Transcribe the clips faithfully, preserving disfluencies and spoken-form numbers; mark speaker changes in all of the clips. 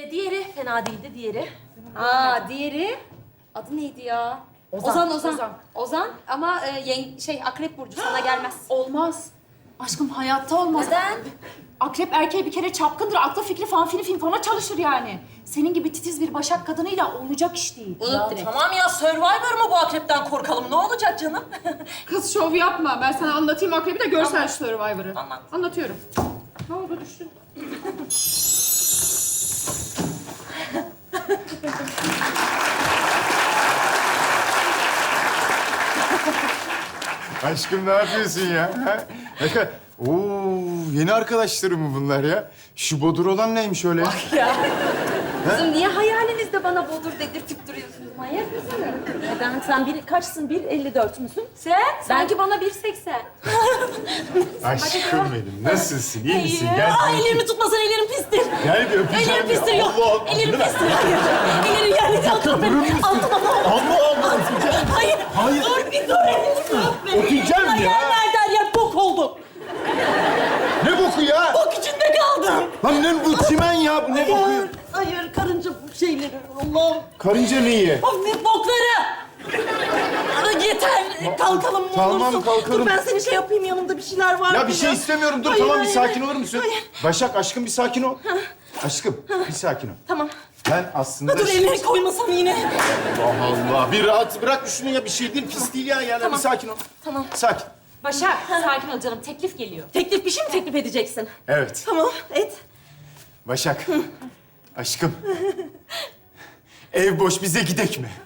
Speaker 1: Ee, diğeri fena değildi, diğeri.
Speaker 2: Aa, diğeri adı neydi ya?
Speaker 1: Ozan.
Speaker 2: Ozan, Ozan.
Speaker 1: Ozan.
Speaker 2: Ozan ama e, yeng- şey Akrep burcu sana gelmez.
Speaker 3: Olmaz. Aşkım hayatta olmaz.
Speaker 2: Neden?
Speaker 3: Akrep erkeği bir kere çapkındır. Aklı fikri fanfini finfona çalışır yani. Senin gibi titiz bir başak kadınıyla olacak iş değil.
Speaker 2: Unut
Speaker 1: Ya
Speaker 2: direkt.
Speaker 1: tamam ya, Survivor mu bu, akrepten korkalım? Ne olacak canım?
Speaker 3: Kız şov yapma. Ben sana anlatayım Akrep'i de görsen şu Survivor'ı.
Speaker 1: Anlat.
Speaker 3: Anlatıyorum. Ne oldu düştün?
Speaker 4: Aşkım ne yapıyorsun ya? Ha? Ne kadar... Oo, yeni arkadaşlarım mı bunlar ya? Şu bodur olan neymiş öyle?
Speaker 2: Kızım niye hayalinizde bana bodur dedirtip duruyorsunuz? Manyak mısın?
Speaker 1: Neden? Sen bir, kaçsın? bir elli dört müsün?
Speaker 2: Sen? Sanki bana bir seksen.
Speaker 4: Aşkım benim, nasılsın? İyi misin? Gel.
Speaker 1: Aa, ellerimi tutmasan, ellerim pistir.
Speaker 4: Gel bir öpeceğim.
Speaker 1: Ellerim
Speaker 4: ya.
Speaker 1: pistir, yok.
Speaker 4: Allah Allah.
Speaker 1: Ellerim pistir, hayır. Ellerim yerledi, altına benim. Altıma
Speaker 4: Allah Allah. Öpeceğim.
Speaker 1: Hayır,
Speaker 4: Hayır.
Speaker 1: dur bir dur, ellerimi öpme.
Speaker 4: Öpeceğim ya.
Speaker 1: Yerlerden yer bok oldum.
Speaker 4: Ne boku ya?
Speaker 1: Bok içinde kaldım.
Speaker 4: Lan ne bu çimen ya? Bu ne boku?
Speaker 1: Hayır, hayır, karınca şeyleri. Allah'ım.
Speaker 4: Karınca neyi?
Speaker 1: Of, ne bokları. Aa, yeter, kalkalım mı
Speaker 4: Tamam,
Speaker 1: olursun?
Speaker 4: kalkalım.
Speaker 1: Dur ben seni şey yapayım, yanımda bir şeyler var.
Speaker 4: Ya bir şey istemiyorum. Dur
Speaker 1: Hayır,
Speaker 4: tamam bir
Speaker 1: hayır,
Speaker 4: sakin
Speaker 1: hayır.
Speaker 4: olur musun?
Speaker 1: Hayır.
Speaker 4: Başak aşkım bir sakin ol. Aşkım bir sakin ol.
Speaker 1: Tamam.
Speaker 4: Ben aslında...
Speaker 1: Dur, elleri koymasam yine.
Speaker 4: Allah Allah. Bir rahat bırak şunu ya. Bir şey değil, pis değil ya. Yani
Speaker 1: Tamam.
Speaker 4: bir sakin ol.
Speaker 1: Tamam.
Speaker 4: Sakin.
Speaker 2: Başak, sakin ol canım. Teklif geliyor.
Speaker 1: Teklif, bir şey mi teklif edeceksin?
Speaker 4: Evet.
Speaker 1: Tamam, et.
Speaker 4: Başak. Aşkım. Ev boş, bize gidek mi?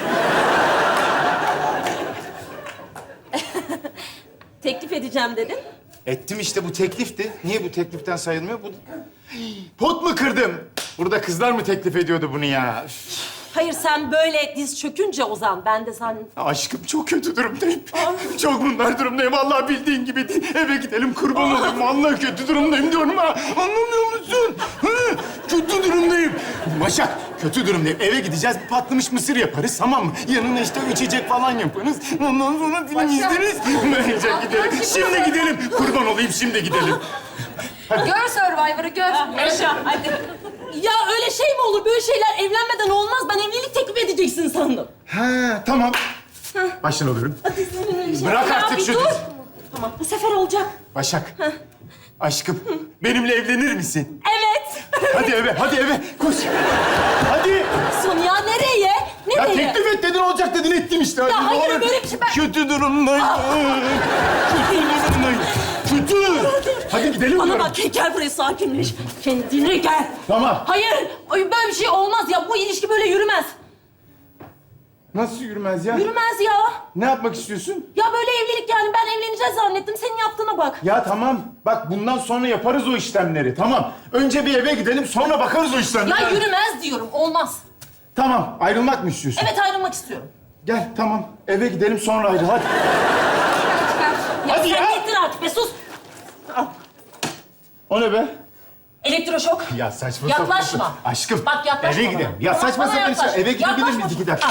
Speaker 1: Teklif edeceğim dedin.
Speaker 4: Ettim işte, bu teklifti. Niye bu tekliften sayılmıyor? Bu... Pot mu kırdım? Burada kızlar mı teklif ediyordu bunu ya? Üf.
Speaker 1: Hayır, sen böyle diz çökünce Ozan, ben de sen...
Speaker 4: Aşkım çok kötü durumdayım. Çok bunlar durumdayım. Vallahi bildiğin gibi değil. Eve gidelim kurban olayım. Vallahi kötü durumdayım diyorum ha. Anlamıyor musun? Hı? Kötü durumdayım. Başak, kötü durumdayım. Eve gideceğiz, patlamış mısır yaparız, tamam mı? Yanına işte içecek falan yaparız. Ondan sonra film izleriz. Bence gidelim. Şimdi gidelim. Kurban olayım, şimdi gidelim.
Speaker 2: Gör Survivor'ı, gör.
Speaker 1: Yaşa, hadi. Ya öyle şey mi olur? Böyle şeyler evlenmeden olmaz. Ben evlilik teklif edeceksin sandım.
Speaker 4: Ha, tamam. Baştan alıyorum. Bırak
Speaker 1: Ya
Speaker 4: artık
Speaker 1: bir
Speaker 4: şu
Speaker 1: dur.
Speaker 4: dizi.
Speaker 1: Tamam, bu sefer olacak.
Speaker 4: Başak, aşkım benimle evlenir misin?
Speaker 1: Evet.
Speaker 4: Hadi eve, hadi eve. Koş. Hadi.
Speaker 1: Son ya, nereye?
Speaker 4: Ya
Speaker 1: Nereye?
Speaker 4: teklif et dedin, olacak dedin, ettim işte. Hadi,
Speaker 1: Ya
Speaker 4: ne
Speaker 1: hayır,
Speaker 4: olur.
Speaker 1: böyle bir şey ben-
Speaker 4: Kötü durumdayım. Kötü durumdayım. Kötü. Hadi gidelim
Speaker 1: Bana
Speaker 4: diyorum.
Speaker 1: bak, gel buraya, sakinleş. Kendine gel.
Speaker 4: Tamam.
Speaker 1: Hayır, ay, böyle bir şey olmaz ya. Bu ilişki böyle yürümez.
Speaker 4: Nasıl yürümez ya?
Speaker 1: Yürümez ya.
Speaker 4: Ne yapmak istiyorsun?
Speaker 1: Ya böyle evlilik yani, ben evleneceğiz zannettim. Senin yaptığına bak.
Speaker 4: Ya tamam. Bak bundan sonra yaparız o işlemleri. Tamam. Önce bir eve gidelim, sonra bakarız o işlemlere.
Speaker 1: Ya yürümez diyorum, olmaz.
Speaker 4: Tamam. Ayrılmak mı istiyorsun?
Speaker 1: Evet, ayrılmak istiyorum.
Speaker 4: Gel tamam. Eve gidelim, sonra ayrıl. Hadi.
Speaker 1: Ya
Speaker 4: Hadi
Speaker 1: sen
Speaker 4: ya.
Speaker 1: gittin artık be, sus.
Speaker 4: O ne be?
Speaker 1: Elektroşok.
Speaker 4: Ya saçma
Speaker 1: Yaklaşma.
Speaker 4: sapan. Aşkım.
Speaker 1: Bak, yaklaşma
Speaker 4: Eve
Speaker 1: bana.
Speaker 4: gidelim. Ya
Speaker 1: Tamam,
Speaker 4: saçma
Speaker 1: bana
Speaker 4: sapan
Speaker 1: yaklaş.
Speaker 4: şey. Eve gidebilir
Speaker 1: Yaklaşma.
Speaker 4: miyiz iki dakika?
Speaker 1: Ah.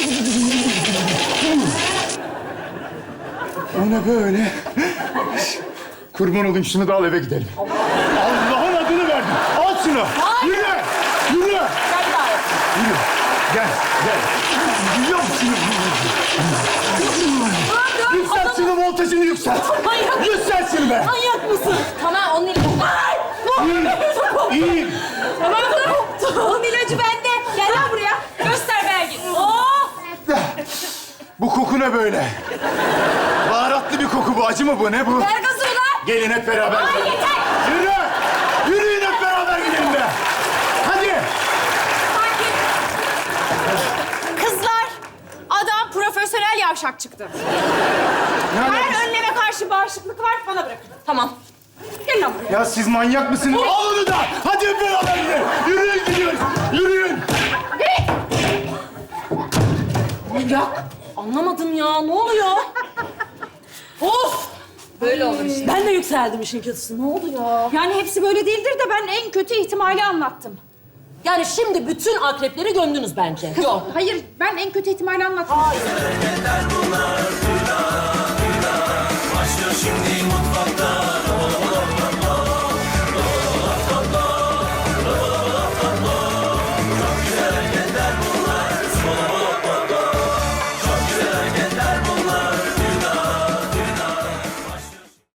Speaker 4: O ne böyle? Kurban olayım, şunu da al, eve gidelim. Allah'ın adını verdim. Al şunu.
Speaker 1: Hayır.
Speaker 4: Yürü. Yürü.
Speaker 1: Gel bir daha yap.
Speaker 4: Yürü. Gel. Gel. Biliyor musun? Yükselt şunu, voltajını yükselt.
Speaker 1: Manyak.
Speaker 4: Yükselt şunu be.
Speaker 1: Manyak mısın?
Speaker 2: Tamam, onun ilacı.
Speaker 1: Ay!
Speaker 4: İyi. İyi.
Speaker 2: Tamam, tamam. Onun ilacı bende. Gel lan buraya. Göster Belgin.
Speaker 1: Oh!
Speaker 4: Bu koku ne böyle? Baharatlı bir koku bu. Acı mı bu? Ne bu?
Speaker 2: Ver gazı ulan.
Speaker 4: Gelin hep beraber.
Speaker 1: Ay, yeter!
Speaker 4: Yürü! Yürüyün hep beraber gidelim be! Hadi!
Speaker 3: Kızlar, adam profesyonel yavşak çıktı.
Speaker 4: Ne
Speaker 3: Her
Speaker 4: alakası?
Speaker 3: önleme karşı bağışıklık var, bana bırakın.
Speaker 1: Tamam.
Speaker 3: Gel lan buraya.
Speaker 4: Ya siz manyak mısınız? Al onu da! Hadi hep beraber gidelim! Yürüyün gidiyoruz! Yürüyün!
Speaker 1: Manyak. Anlamadım ya. Ne oluyor? Of!
Speaker 2: Böyle olur işte.
Speaker 1: Ben de yükseldim işin kötüsü. Ne oldu ya?
Speaker 3: Yani hepsi böyle değildir de ben en kötü ihtimali anlattım.
Speaker 1: Yani şimdi bütün akrepleri gömdünüz bence. Yok.
Speaker 3: Hayır, ben en kötü ihtimali anlattım.
Speaker 5: Başlıyor şimdi mutfakta